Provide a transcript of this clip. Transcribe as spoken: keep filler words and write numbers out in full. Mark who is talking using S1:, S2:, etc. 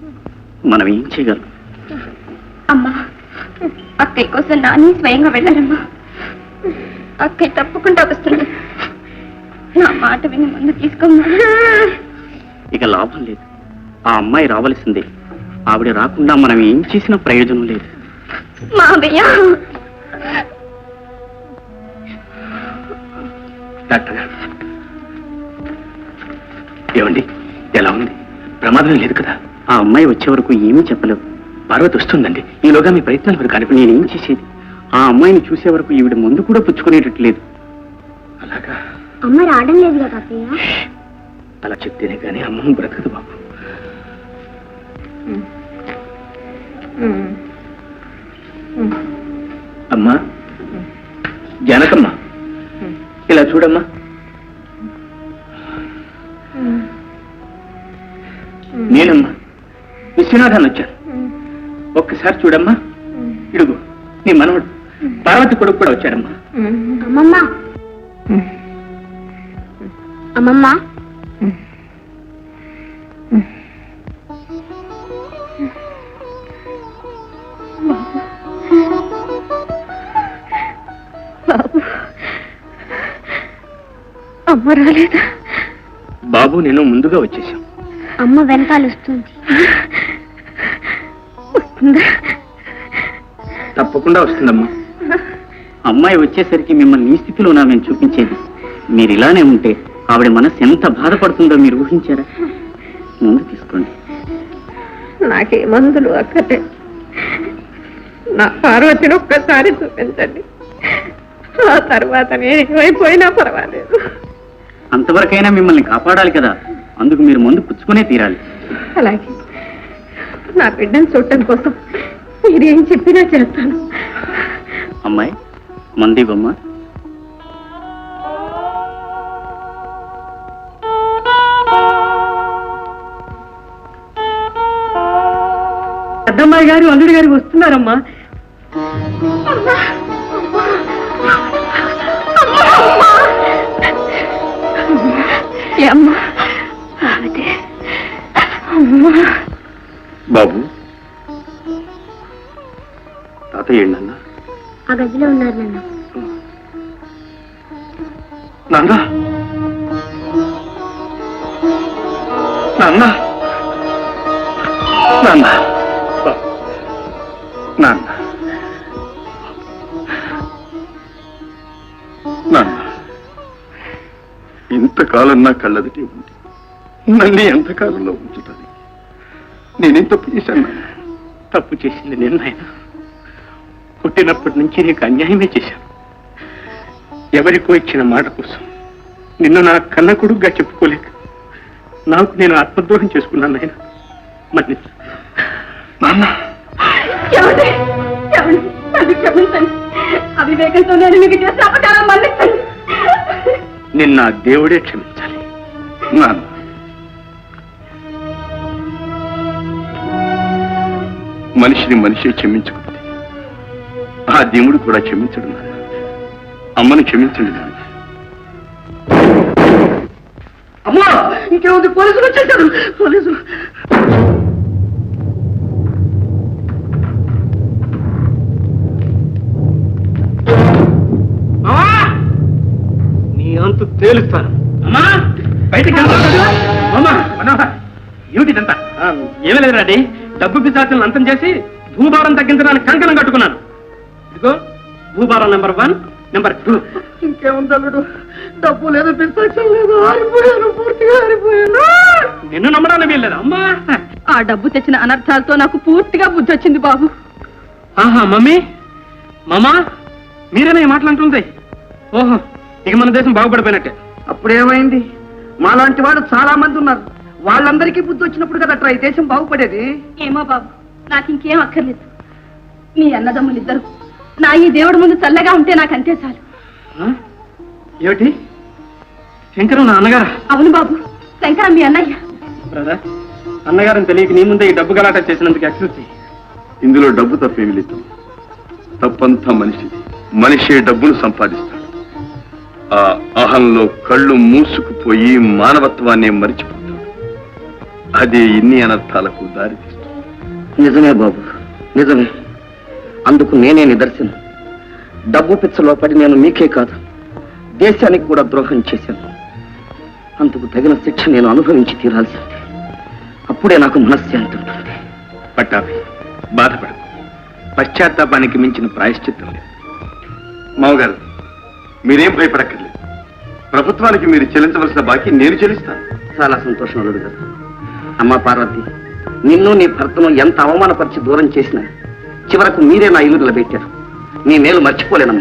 S1: మనం ఏం చేయగలం?
S2: అమ్మా, అక్కయ్య కోసం నాని స్వయంగా వెళ్ళారమ్మా. అక్కయ్య తప్పకుండా వస్తుంది. నా మాట విని ముందు తీసుకోమ్మా.
S1: ఇక లాభం లేదు. ఆ అమ్మాయి రావలసిందే. ఆవిడ రాకుండా మనం ఏం చేసినా ప్రయోజనం లేదు.
S2: మావయ్య,
S1: డాక్టర్ గారు ఏమండి, ఎలా ఉంది? ప్రమాదం లేదు కదా? ఆ అమ్మాయి వచ్చే వరకు ఏమీ చెప్పలేవు. పార్వతి వస్తుందండి. ఈలోగా మీ ప్రయత్నాలు వరకు కానీ నేనేం చేసేది? ఆ అమ్మాయిని చూసే వరకు ఈవిడ ముందు కూడా పుచ్చుకునేటట్టు లేదు. అలాగా?
S2: అమ్మ రావడం లేదు కదా అత్తయ్య?
S1: అలా చెప్తేనే కానీ అమ్మ బ్రతకదు బాబు. అమ్మా, జానకమ్మ, ఇలా చూడమ్మా. నేనమ్మా విశ్వనాథాన్ని వచ్చాను. ఒక్కసారి చూడమ్మా. ఇడుగు నీ మనవడు పార్వతి కొడుకు కూడా వచ్చాడమ్మా.
S2: అమ్మమ్మ, అమ్మమ్మ, అమ్మ రాలేదా?
S1: బాబు నేను ముందుగా వచ్చేసాం.
S2: అమ్మ వెనకాల వస్తుంది.
S1: తప్పకుండా వస్తుందమ్మా. అమ్మాయి వచ్చేసరికి మిమ్మల్ని ఈ స్థితిలోనా మేము చూపించేది? మీరు ఇలానే ఉంటే ఆవిడ మనసు ఎంత బాధపడుతుందో మీరు ఊహించారా? ముందు తీసుకోండి.
S3: నాకే మందులు అక్కడే. నా పార్వతిని ఒక్కసారి చూపించండి. ఆ తర్వాత నేను ఏమైపోయినా పర్వాలేదు.
S1: అంతవరకైనా మిమ్మల్ని కాపాడాలి కదా, అందుకు మీరు ముందు పుచ్చుకునే తీరాలి.
S3: అలాగే నా బిడ్డను చూడటం కోసం మీరేం చెప్పినా చేస్తాను.
S1: అమ్మాయి మంది బొమ్మ.
S3: పెద్దమ్మాయి గారు అల్లుడి గారు వస్తున్నారమ్మా.
S1: బాబు, తాతయ్య నాన్న
S2: ఆ గదిలో ఉన్నారు నాన్న.
S1: నాన్న నాన్న నాన్న నాన్న నాన్న ఇంతకాలం నా కళ్ళదిటి ఉంది. నన్ను ఎంతకాలంలో ఉంచుతుంది? నేనేం తప్పు చేశాను? తప్పు చేసింది నేను నాయన. పుట్టినప్పటి నుంచి నీకు అన్యాయమే చేశాను. ఎవరికో ఇచ్చిన మాట కోసం నిన్ను నా కన్న కొడుకుగా చెప్పుకోలేక నాకు నేను ఆత్మద్రోహం చేసుకున్నాను నాయన. మన్నించు నాన్న.
S3: అవివేకంతో నేను మీకు చేసిన అపకారం మన్నించండి.
S1: నిన్న దేవుడే క్షమించాలి నాన్న. మనిషిని మనిషి క్షమించకపోతే ఆ దేవుడు కూడా క్షమించడు నాన్న. అమ్మని క్షమించండి నాన్న.
S3: అమ్మా, ఇంకేముంది? పోలీసులు వచ్చేసారు. పోలీసులు
S1: నీ అంతు తేలుస్తాను. అమ్మా బయటకు అమ్మా. మనోహర్, ఏమిటిదంతా? ఏమీ లేదు రాడి. డబ్బు పిశాచులను అంతం చేసి భూభారం తగ్గించడానికి కంకణం కట్టుకున్నాను. ఇదిగో భూభారం నెంబర్ వన్, నెంబర్ టూ.
S3: ఇంకేముంది అల్లుడు? డబ్బు లేదు, పిస్తాచం లేదు, ఆరిపోయాను, పూర్తిగా ఆరిపోయాను.
S1: నిన్ను నమ్మడానికి వీల్లేదు అమ్మా.
S3: ఆ డబ్బు తెచ్చిన అనర్థాలతో నాకు పూర్తిగా బుద్ధి వచ్చింది బాబు.
S1: ఆహా, మమ్మీ మామా మీరేనా ఈ మాటలంటుంది? ఓహో, ఇక మన దేశం బాగుపడిపోయినట్టే.
S3: అప్పుడేమైంది? మాలాంటి వాడు చాలా మంది ఉన్నారు. వాళ్ళందరికీ బుద్ధి వచ్చినప్పుడు కదా ఈ దేశం బాగుపడేది.
S2: ఏమో బాబు, నాకు ఇంకేం అక్కర్లేదు. మీ అన్నదమ్ములు ఇద్దరు నా ఈ దేవుడి ముందు చల్లగా ఉంటే నాకు అంతే చాలు.
S1: ఏమిటి? శంకరం నా అన్నగారా?
S2: అవును బాబు, శంకరం మీ అన్నయ్య.
S1: బ్రదర్, అన్నగారిని తెలియక నీ ముందే ఈ డబ్బు గలాట చేసినందుకు ఎక్స్క్యూజ్ చెయ్యి. ఇందులో డబ్బు తప్పేమి లేదు. తప్పంతా మనిషిది. మనిషి డబ్బును సంపాదిస్తాడు. ఆ అహంలో కళ్ళు మూసుకుపోయి మానవత్వాన్ని మరిచిపోతాడు. అదే ఇన్ని అనర్థాలకు దారితీస్తుంది.
S3: నిజమే బాబు, నిజమే. అందుకు నేనే నిదర్శనం. డబ్బు పిచ్చలో పడి నేను మీకే కాదు, దేశానికి కూడా ద్రోహం చేశాను. అందుకు తగిన శిక్ష నేను అనుభవించి తీరాల్సింది. అప్పుడే నాకు మనశ్శాంతి ఉంటుంది.
S1: పట్టాభి, బాధపడదు. పశ్చాత్తాపానికి మించిన ప్రాయశ్చిత్తం లేదు. మావగారు, మీరేం భయపడక్కర్లేదు. ప్రభుత్వానికి మీరు చెల్లించవలసిన బాకీ నేను చెల్లిస్తాను.
S3: చాలా సంతోషం అల్లుడు గారు. అమ్మా పార్వతి, నిన్ను నీ భర్తను ఎంత అవమానపరిచి దూరం చేసినా చివరకు మీరే నా ఇల్లు నిలబెట్టారు. మీ మేలు మర్చిపోలేనమ్మా.